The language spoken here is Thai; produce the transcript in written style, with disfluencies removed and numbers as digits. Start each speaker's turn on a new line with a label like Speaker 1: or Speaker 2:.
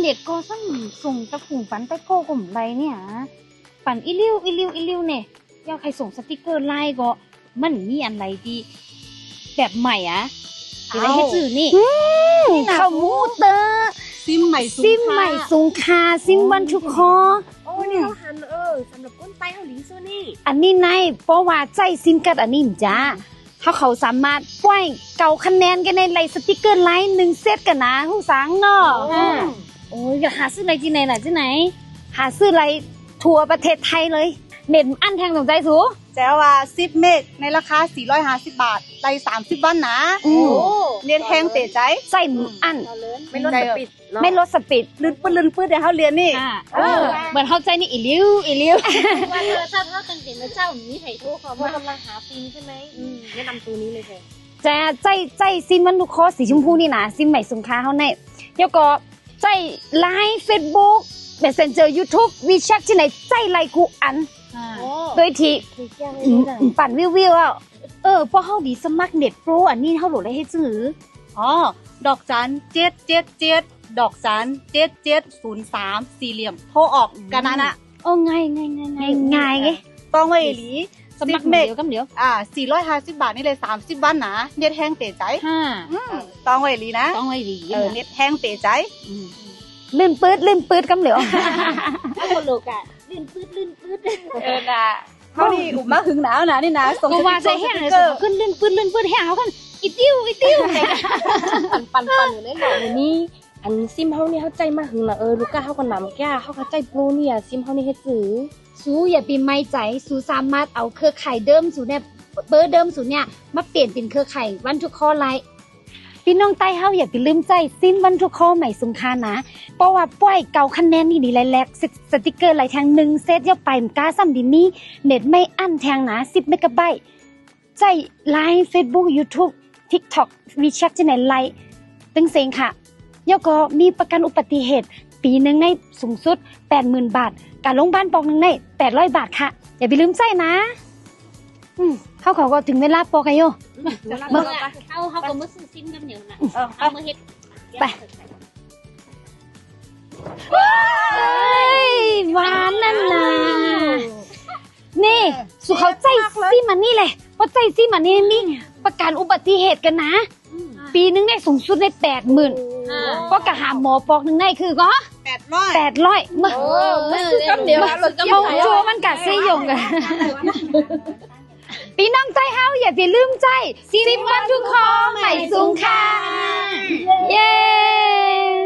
Speaker 1: เด็ดก็สั่งส่งตะฝุ่งฝันตะโก้กลมไรเนี่ยฝันอีลิ้วเนี่ยอยากใครส่งสติกเกอร์ไลน์ก็มันมีอะไรดีแบบใหม่อะจะได้ให้จื่อนี่ข้าวหมูเตอร์
Speaker 2: ซิมใหม่
Speaker 1: สูงคาซิมวันทุกคอ
Speaker 3: โอ้นี่เขาหันสำหรับก้นไตเขาหลิงโซนี่
Speaker 1: อันนี้ในเพราะว่าใจซิมกัดอันนี้จ้าเขาสามารถปล่อยเก่าคะแนนกันในไลน์สติกเกอร์ไลน์1เซตกันนะผู้สังเนาะโอ้ยหาซื้อไลน์ที่ไหนล่ะที่ไหนหาซื้อไลน์ทั่วประเทศไทยเลยเน็ตอันแทงสนใจสู
Speaker 2: แจ้ว่า10เมกในราคา450 บาทไล30วันนะเรียนแทงเตะใจ
Speaker 1: ใส่อัน
Speaker 3: ไม่ลดสปีด
Speaker 1: ไม่ลดสปีด
Speaker 2: ลื่นปื้ดเดี๋ยวเขาเรียนนี่
Speaker 1: เหมือนเข้าใจนี่อีลิ้ว
Speaker 3: ว่าถ้าตั้งใจนะเจ้านี้ไถ่ทุกเขาว่ากำลังหาฟินใช่ไหมแนะนำตัวนี้เลยค่ะ
Speaker 1: จะใจซิมวันทุกคอสีชมพูนี่นะซิมใหม่สงค้าเขาในเดี๋ยวก็ใจไลน์เฟซบุ๊กMessenger YouTube วีแชทที่ไหนใจไลน์กูอันโดยที่ปั่นวิวอ่ะเพราะเขาดีสมัครเน็ตโปรอันนี้เขาโหลดได้ให้ซื้อ
Speaker 2: ดอกจัน777ดอกจัน7703สี่เหลี่ยมโทรออกกันนะ
Speaker 1: ง่ายไง
Speaker 2: ต้องไว้หลี
Speaker 1: สมัครเดี๋ยว
Speaker 2: 450 บาทนี่เลย30วันนะเน็ตแห้งเตะใจต้องไว้หลีนะเน็ตแห้งเตะใจ
Speaker 1: ลื่นปืดกำเหลียว
Speaker 3: ถ้าคนโลกอะลื่นปืด
Speaker 1: นะ
Speaker 2: เขานี่อุบมาหึงหนาวนะนี่นะ
Speaker 1: ส่งก็ว่าใจแห้งเลยขึ้นลื่นปืดแห้งเขากันอีติ้ว
Speaker 3: ปันอยู่ในหน่อยนี่อันซิมเขานี่เขาใจมาหึงนะลูกก้าเขาก็นำแก้เขาก็ใจโปรเนี่ยซิมเขานี่ให้ซื้อ
Speaker 1: สู้อย่าปีไม่ใจสู้สามารถเอาเครือข่ายเดิมสู่เนี่ยเบอร์เดิมสู่เนี่ยมาเปลี่ยนเป็นเครือข่ายวันทุกข้อไลน์พี่น้องใต้เฮาอย่าไปลืมใจซิมวันทุกข้อใหม่สงคานะเพราะว่าปล่อยเก่าคะแนนนี่ดีแลกสติกเกอร์ไหลแทง1เซตย่อไปมก้าซ้ำดินี่เน็ตไม่อั้นแทงนะ10เมกะไบต์ใจไลน์ Facebook YouTube TikTok WeChat ที่ไหนไลน์ตึงเซงค่ะย่อก็มีประกันอุบัติเหตุปีนึงในสูงสุด 80,000 บาทการโรงพยาบาลปอกนึงใน800 บาทค่ะอย่าไปลืมใจนะเขาก็ถึงเวลาปอกกันโย
Speaker 3: เขาก็มือซื้อซิมกันเหนียวนะเอามือเฮ็ด
Speaker 1: ไปหวานนั่นนะนี่สุเขาใจซิมันนี่เลยเพราะใจซิมันนี่ประกันอุบัติเหตุกันนะปีนึงได้สูงสุดได้80,000เพราะกะหาหมอปอกนึงได้คือก็800มา
Speaker 3: ซื้อกันเดียว
Speaker 1: มองชัวมันกะเซยงกันพี่น้องใจเฮาอย่าไปลืมใจซิมวันทุกข้อใหม่สูงค่ะเย้